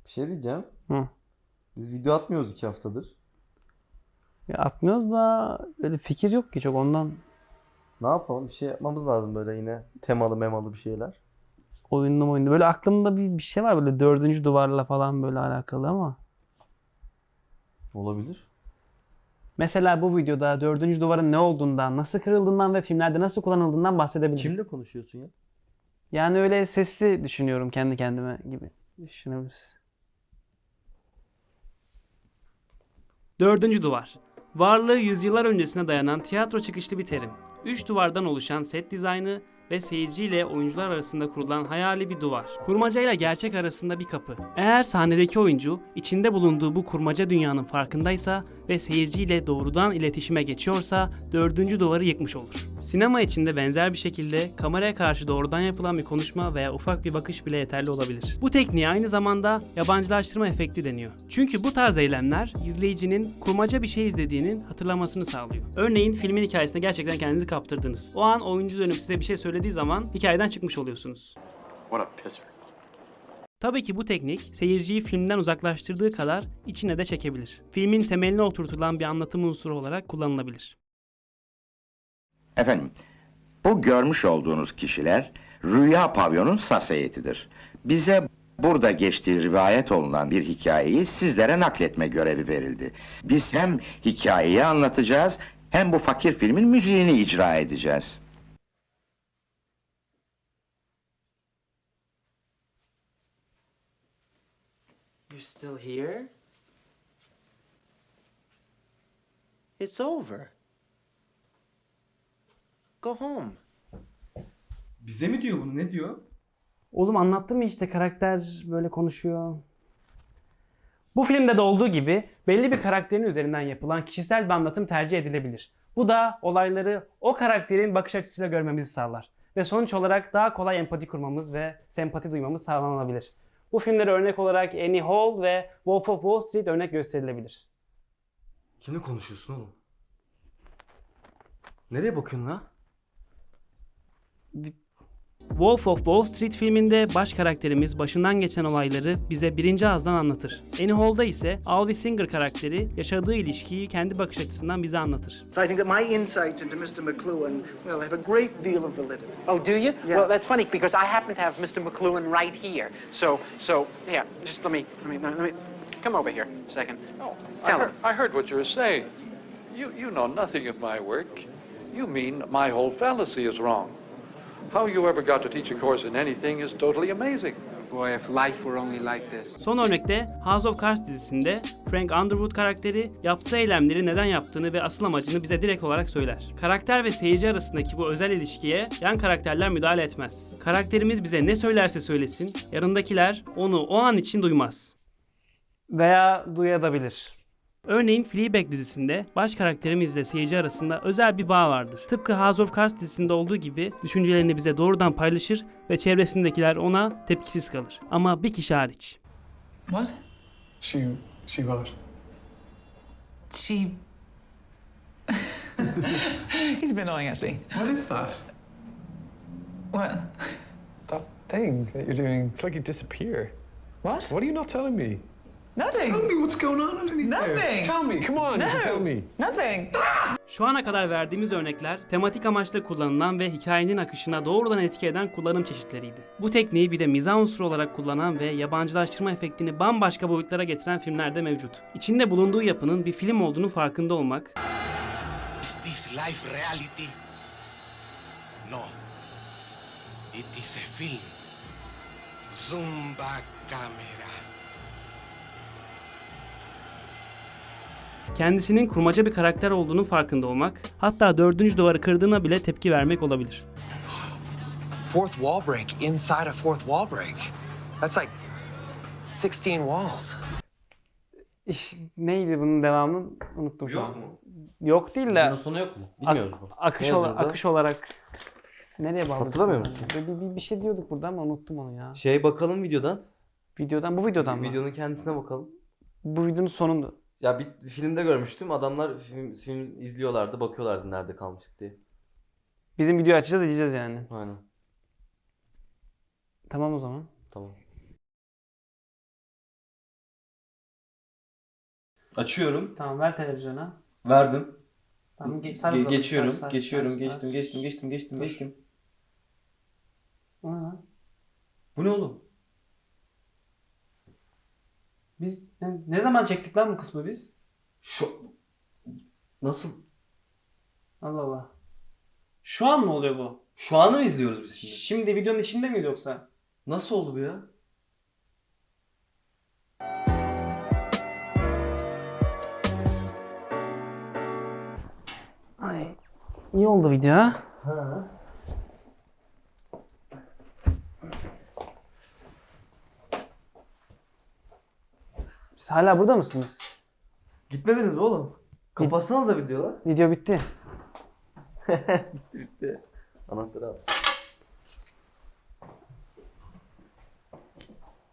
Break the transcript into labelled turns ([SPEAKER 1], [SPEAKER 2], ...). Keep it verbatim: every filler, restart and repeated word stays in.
[SPEAKER 1] Bir şey diyeceğim.
[SPEAKER 2] Hı.
[SPEAKER 1] Biz video atmıyoruz iki haftadır.
[SPEAKER 2] Ya atmıyoruz da öyle fikir yok ki çok ondan.
[SPEAKER 1] Ne yapalım? Bir şey yapmamız lazım böyle yine temalı memalı bir şeyler.
[SPEAKER 2] Oyunlu oyunlu. Böyle aklımda bir, bir şey var böyle dördüncü duvarla falan böyle alakalı ama.
[SPEAKER 1] Olabilir.
[SPEAKER 2] Mesela bu videoda dördüncü duvarın ne olduğundan, nasıl kırıldığından ve filmlerde nasıl kullanıldığından bahsedebilirim.
[SPEAKER 1] Kimle konuşuyorsun ya?
[SPEAKER 2] Yani öyle sesli düşünüyorum kendi kendime gibi düşünebiliriz. Dördüncü duvar. Varlığı yüzyıllar öncesine dayanan tiyatro çıkışlı bir terim. Üç duvardan oluşan set dizaynı ve seyirciyle oyuncular arasında kurulan hayali bir duvar. Kurmaca ile gerçek arasında bir kapı. Eğer sahnedeki oyuncu içinde bulunduğu bu kurmaca dünyanın farkındaysa ve seyirciyle doğrudan iletişime geçiyorsa dördüncü duvarı yıkmış olur. Sinema içinde benzer bir şekilde kameraya karşı doğrudan yapılan bir konuşma veya ufak bir bakış bile yeterli olabilir. Bu tekniğe aynı zamanda yabancılaştırma efekti deniyor. Çünkü bu tarz eylemler izleyicinin kurmaca bir şey izlediğinin hatırlamasını sağlıyor. Örneğin filmin hikayesine gerçekten kendinizi kaptırdınız. O an oyuncu dönüp size bir şey söylediği zaman hikayeden çıkmış oluyorsunuz.
[SPEAKER 3] What a pisser.
[SPEAKER 2] Tabii ki bu teknik seyirciyi filmden uzaklaştırdığı kadar içine de çekebilir. Filmin temeline oturtulan bir anlatım unsuru olarak kullanılabilir.
[SPEAKER 4] Efendim, bu görmüş olduğunuz kişiler Rüya Pavyon'un sas heyetidir. Bize burada geçtiği rivayet olunan bir hikayeyi sizlere nakletme görevi verildi. Biz hem hikayeyi anlatacağız, hem bu fakir filmin müziğini icra edeceğiz.
[SPEAKER 5] You're still here? It's over. Go home.
[SPEAKER 1] Bize mi diyor bunu? Ne diyor?
[SPEAKER 2] Oğlum anlattım mı işte karakter böyle konuşuyor. Bu filmde de olduğu gibi belli bir karakterin üzerinden yapılan kişisel bir anlatım tercih edilebilir. Bu da olayları o karakterin bakış açısıyla görmemizi sağlar. Ve sonuç olarak daha kolay empati kurmamız ve sempati duymamız sağlanabilir. Bu filmlere örnek olarak Annie Hall ve Wolf of Wall Street örnek gösterilebilir.
[SPEAKER 1] Kimle konuşuyorsun oğlum? Nereye bakıyorsun la?
[SPEAKER 2] Wolf of Wall Street filminde baş karakterimiz başından geçen olayları bize birinci ağızdan anlatır. Annie Hall'da ise Alvy Singer karakteri yaşadığı ilişkiyi kendi bakış açısından bize anlatır.
[SPEAKER 6] So I think that my insights into mister McLuhan will have a great deal of validity.
[SPEAKER 7] Oh, do you?
[SPEAKER 6] Yeah.
[SPEAKER 7] Well, that's funny because I happen to have mister McLuhan right here. So, so, yeah, just let me, let me, let me, come over here a second.
[SPEAKER 3] Oh, I
[SPEAKER 7] Tell
[SPEAKER 3] heard,
[SPEAKER 7] him.
[SPEAKER 3] I heard what you were saying. You, you know nothing of my work. You mean my whole fallacy is wrong. How you ever got to teach a course in anything is totally amazing.
[SPEAKER 7] Boy, if life were only like this.
[SPEAKER 2] Son örnekte House of Cards dizisinde Frank Underwood karakteri yaptığı eylemleri neden yaptığını ve asıl amacını bize direkt olarak söyler. Karakter ve seyirci arasındaki bu özel ilişkiye yan karakterler müdahale etmez. Karakterimiz bize ne söylerse söylesin, yanındakiler onu o an için duymaz. Veya duyabilir. Örneğin Fleabag dizisinde baş karakterimizle seyirci arasında özel bir bağ vardır. Tıpkı House of Cards dizisinde olduğu gibi düşüncelerini bize doğrudan paylaşır ve çevresindekiler ona tepkisiz kalır. Ama bir kişi hariç.
[SPEAKER 8] What? She, she what?
[SPEAKER 9] She. He's a bit annoying, actually.
[SPEAKER 8] What is that?
[SPEAKER 9] What?
[SPEAKER 8] That thing that you're doing, it's like you disappear.
[SPEAKER 9] What?
[SPEAKER 8] What are you not telling me?
[SPEAKER 9] Nothing.
[SPEAKER 8] Tell me what's going on underneath there.
[SPEAKER 9] Nothing.
[SPEAKER 8] Tell me, come on, you can tell me.
[SPEAKER 9] Nothing.
[SPEAKER 2] Şu ana kadar verdiğimiz örnekler tematik amaçla kullanılan ve hikayenin akışına doğrudan etki eden kullanım çeşitleriydi. Bu tekniği bir de mizah unsuru olarak kullanan ve yabancılaştırma efektini bambaşka boyutlara getiren filmler de mevcut. İçinde bulunduğu yapının bir film olduğunu farkında olmak,
[SPEAKER 10] Is this life reality? No. It is a film. Zumba camera.
[SPEAKER 2] kendisinin kurmaca bir karakter olduğunun farkında olmak, hatta dördüncü duvarı kırdığına bile tepki vermek olabilir.
[SPEAKER 11] Fourth wall break inside a fourth wall break. That's like sixteen walls.
[SPEAKER 2] İş, neydi bunun devamı? Unuttum şu
[SPEAKER 1] Yok
[SPEAKER 2] an.
[SPEAKER 1] mu?
[SPEAKER 2] Yok değil de
[SPEAKER 1] Bunun sonu yok mu? Bilmiyoruz bu.
[SPEAKER 2] akış,
[SPEAKER 1] Ne
[SPEAKER 2] ola-
[SPEAKER 1] yazıyordu?
[SPEAKER 2] akış olarak nereye bağlı?
[SPEAKER 1] Hatırlamıyor musun?
[SPEAKER 2] Bir, bir, bir şey diyorduk burada ama unuttum onu ya.
[SPEAKER 1] Şey bakalım videodan.
[SPEAKER 2] Videodan, bu videodan mı?
[SPEAKER 1] Videonun kendisine bakalım.
[SPEAKER 2] Bu videonun sonunda.
[SPEAKER 1] Ya bir filmde görmüştüm. Adamlar film, film izliyorlardı, bakıyorlardı nerede kalmıştık diye.
[SPEAKER 2] Bizim videoyu açacağız, izleyeceğiz yani.
[SPEAKER 1] Aynen.
[SPEAKER 2] Tamam o zaman.
[SPEAKER 1] Tamam. Açıyorum.
[SPEAKER 2] Tamam ver televizyona.
[SPEAKER 1] Verdim.
[SPEAKER 2] Tamam ge- sar
[SPEAKER 1] Ge-
[SPEAKER 2] bakalım,
[SPEAKER 1] geçiyorum.
[SPEAKER 2] sar, sar,
[SPEAKER 1] geçiyorum.
[SPEAKER 2] sar,
[SPEAKER 1] geçtim,
[SPEAKER 2] sar.
[SPEAKER 1] geçtim, geçtim, geçtim,
[SPEAKER 2] Dur.
[SPEAKER 1] geçtim.
[SPEAKER 2] O ne lan?
[SPEAKER 1] Bu ne oğlum?
[SPEAKER 2] Biz ne, ne zaman çektik lan bu kısmı biz?
[SPEAKER 1] Şu nasıl?
[SPEAKER 2] Allah Allah. Şu an mı oluyor bu?
[SPEAKER 1] Şu anı mı izliyoruz biz şimdi?
[SPEAKER 2] Şimdi videonun içinde miyiz yoksa?
[SPEAKER 1] Nasıl oldu bu ya?
[SPEAKER 2] Ay. İyi oldu video ha.
[SPEAKER 1] Ha.
[SPEAKER 2] Siz hala burada mısınız?
[SPEAKER 1] Gitmediniz mi oğlum? Kapatsanız da videolar.
[SPEAKER 2] Video bitti.
[SPEAKER 1] bitti bitti. Anahtarı al.